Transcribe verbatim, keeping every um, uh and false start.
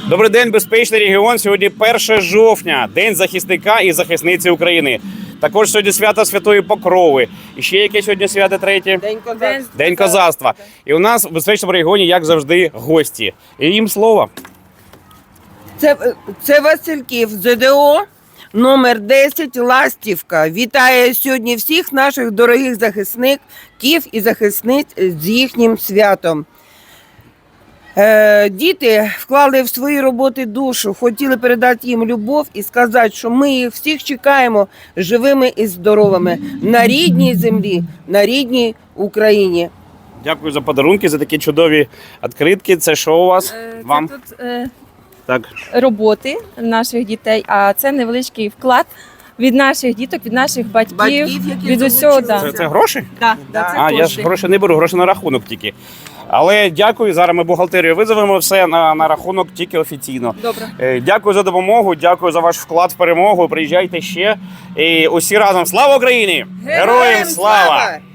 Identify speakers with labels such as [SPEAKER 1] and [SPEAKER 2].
[SPEAKER 1] Добрий день, безпечний регіон. Сьогодні перше жовтня, День захисника і захисниці України. Також сьогодні свято Святої Покрови. І ще яке сьогодні свято третє?
[SPEAKER 2] День козацтва.
[SPEAKER 1] День козацтва. І у нас в безпечному регіоні, як завжди, гості. І їм слово.
[SPEAKER 2] Це, це Васильків, ЗДО, номер десять, Ластівка. Вітає сьогодні всіх наших дорогих захисників і захисниць з їхнім святом. Е, діти вклали в свої роботи душу, хотіли передати їм любов і сказати, що ми їх всіх чекаємо живими і здоровими на рідній землі, на рідній Україні.
[SPEAKER 1] Дякую за подарунки, за такі чудові відкритки. Це що у вас?
[SPEAKER 3] Це
[SPEAKER 1] Вам?
[SPEAKER 3] тут е,
[SPEAKER 1] Так.
[SPEAKER 3] роботи наших дітей, а це невеличкий вклад від наших діток, від наших батьків,
[SPEAKER 2] Батьків, які
[SPEAKER 3] від усього. Да.
[SPEAKER 1] Це, це гроші?
[SPEAKER 3] Да, да, це
[SPEAKER 1] А, я ж
[SPEAKER 3] кошти.
[SPEAKER 1] гроші не беру, гроші на рахунок тільки. Але дякую, зараз ми бухгалтерію визовемо, все на, на рахунок тільки офіційно.
[SPEAKER 3] Добре.
[SPEAKER 1] Е, Дякую за допомогу, дякую за ваш вклад в перемогу. Приїжджайте ще. І усі разом. Слава Україні! Героям слава!